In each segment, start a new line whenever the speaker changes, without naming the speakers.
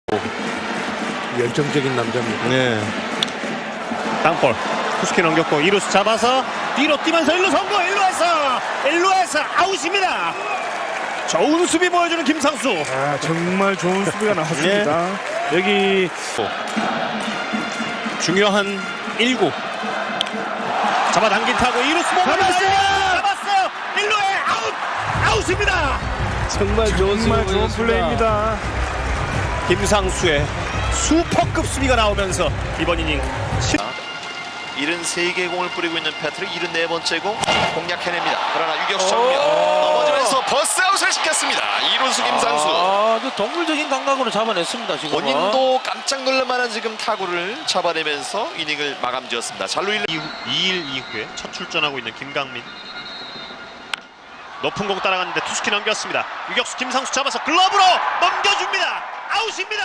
열정적인 남자입니다.
네. 땅볼 투스키 넘겼고 2루수 잡아서 뒤로 뛰면서 1루 성공. 1루에서 아웃입니다. 좋은 수비 보여주는 김상수.
정말 좋은 수비가 나왔습니다. 여기
중요한 1구 잡아당긴 타고 2루수 잡았어요. 1루에 아웃입니다.
정말 좋은 플레이입니다.
김상수의 슈퍼급 수비가 나오면서 이번 이닝
73개의 공을 뿌리고 있는 패트릭 74번째 공 공략해냅니다. 그러나 유격수 정면 넘어지면서 버스아웃을 시켰습니다. 2루수 김상수.
아주 동물적인 감각으로 잡아냈습니다. 지금
본인도 깜짝 놀랄만한 지금 타구를 잡아내면서 이닝을 마감지었습니다. 잘루 1루
2일 이후에 첫 출전하고 있는 김강민. 높은 공 따라갔는데 투스키 넘겼습니다. 유격수 김상수 잡아서 글러브로 넘겨줍니다. 아웃입니다.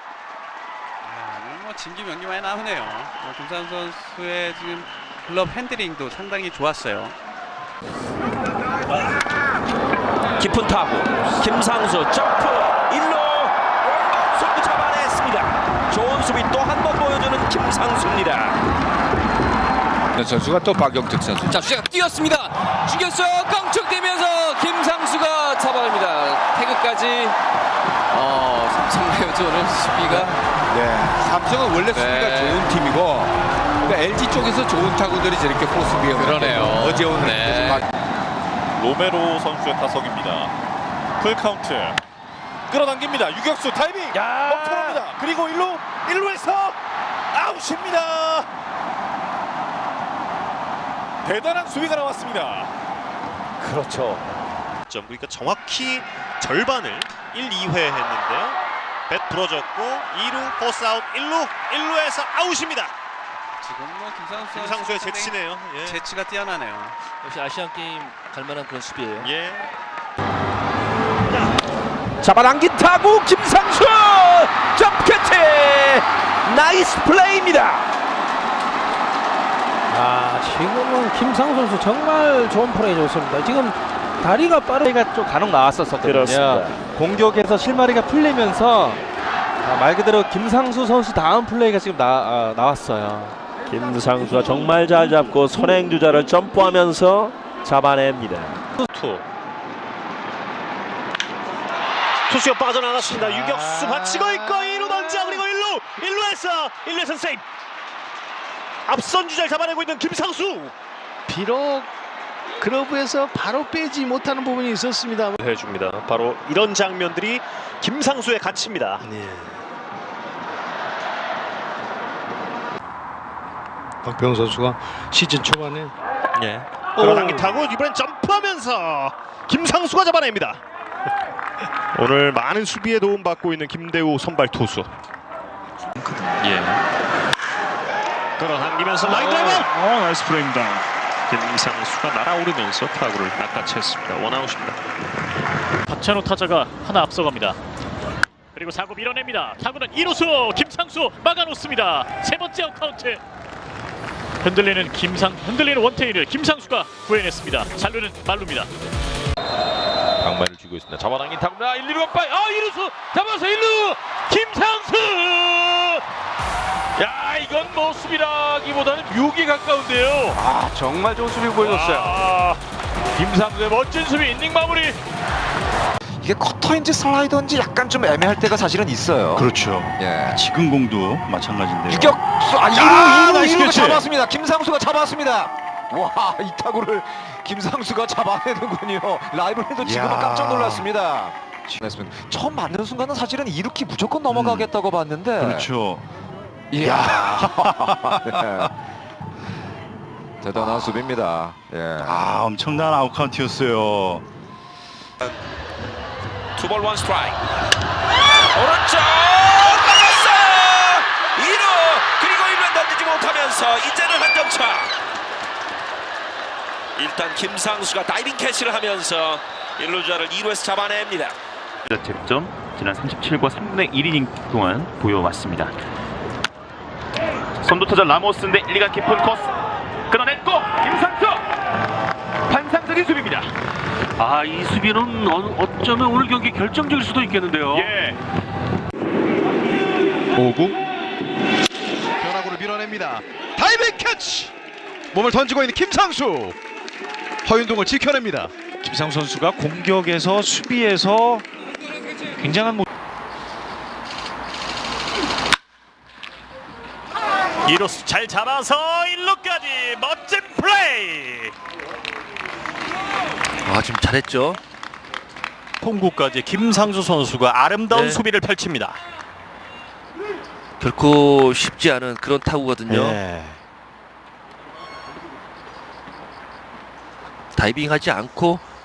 오늘 진기명기만이 나오네요. 김상수 선수의 지금 글럽 핸들링도 상당히 좋았어요.
깊은 타구 김상수 점프 1루 수비 잡아냈습니다. 좋은 수비 또 한 번 보여주는 김상수입니다.
선수가 또 박영택 선수.
자, 주자가 뛰었습니다. 죽였어요. 깡총대면서 김상수가 잡아냅니다. 태그까지. 삼성라이온즈는 수비가.
네, 삼성은 원래 수비가 좋은 팀이고, 그러니까 LG 쪽에서 좋은 타구들이 저렇게 포수비에
그러네요.
어제 오늘
로메로 선수의 타석입니다. 풀 카운트 끌어당깁니다. 유격수 타이밍 멈춰갑니다. 그리고 1루에서 아웃입니다. 대단한 수비가 나왔습니다.
그렇죠. 그러니까 정확히 절반을 1, 2회 했는데요. 뱃 부러졌고 2루 포스 아웃 1루에서 아웃입니다.
지금 뭐
김상수의 재치네요. 예.
재치가 뛰어나네요.
역시 아시안 게임 갈만한 그런 수비예요.
예.
잡아당긴 타구 김상수 점프 캐치 나이스 플레이입니다.
지금은 김상수 선수 정말 좋은 플레이 좋습니다. 지금 다리가 빠르가 좀 간혹 나왔었거든요.
그렇습니다.
공격에서 실마리가 풀리면서 말 그대로 김상수 선수 다음 플레이가 지금 나왔어요.
김상수가 정말 잘 잡고 선행주자를 점프하면서 잡아냅니다.
투수가 빠져나갔습니다. 유격수 받치고 있고 2루 던져 그리고 1루에서 세이브. 앞선 주자를 잡아내고 있는 김상수.
비록 글러브에서 바로 빼지 못하는 부분이 있었습니다.
해줍니다. 바로 이런 장면들이 김상수의 가치입니다.
박병호 선수가 시즌 초반에
끌어당긴 타고 이번엔 점프하면서 김상수가 잡아냅니다. 오늘 많은 수비에 도움받고 있는 김대우 선발 투수. 끌어당기면서 라인 드라이브. 나이스 플레이입니다. 김상수가 날아오르면서 타구를 낚아챘습니다. 원아웃입니다.
박찬호 타자가 하나 앞서갑니다. 그리고 4구 밀어냅니다. 타구는 2루수 김상수 막아놓습니다. 세 번째 아웃카운트. 흔들리는 원태인을 김상수가 구해냈습니다. 잔루는 말루입니다.
강만을 쥐고 있습니다. 잡아당긴 타구 1, 2루 간발.
2루수 잡아서 1루 김상수. 야, 이건 뭐 수비라기보다는 묘기에 가까운데요.
정말 좋은 수비 보여줬어요.
김상수의 멋진 수비 이닝 마무리.
이게 커터인지 슬라이더인지 약간 좀 애매할 때가 사실은 있어요.
그렇죠.
예.
지금 공도 마찬가지인데요.
유격수 2루가 잡았습니다. 김상수가 잡았습니다. 와, 이 타구를 김상수가 잡아내는군요. 라이브에도 지금은 깜짝 놀랐습니다. 처음 맞는 순간은 사실은 2루키 무조건 넘어가겠다고 봤는데.
그렇죠.
이야. 네. 대단한 수비입니다. 예.
엄청난 아웃카운트였어요.
투볼 원 스트라이크. 오른쪽 맞았어요. 2루 그리고 1루 던지지 못하면서 이제는 한 점 차. 일단 김상수가 다이빙 캐치를 하면서 1루자를 2루에서 잡아냅니다.
득점 지난 37과 3분의 1이닝 동안 보여왔습니다. 선두타자 라모스인데 1리가 깊은 코스 끊어냈고 김상수 환상적인 수비입니다. 이 수비는 어쩌면 오늘 경기 결정적일 수도 있겠는데요.
오구 변화구를 밀어냅니다. 다이빙 캐치. 몸을 던지고 있는 김상수. 허윤동을 지켜냅니다.
김상수 선수가 공격에서 수비에서 굉장한
2루수 잘 잡아서 1루까지 멋진 플레이.
지금 잘했죠.
통구까지 김상수 선수가 아름다운
네.
수비를 펼칩니다.
결코 쉽지 않은 그런 타구거든요.
네.
다이빙하지 않고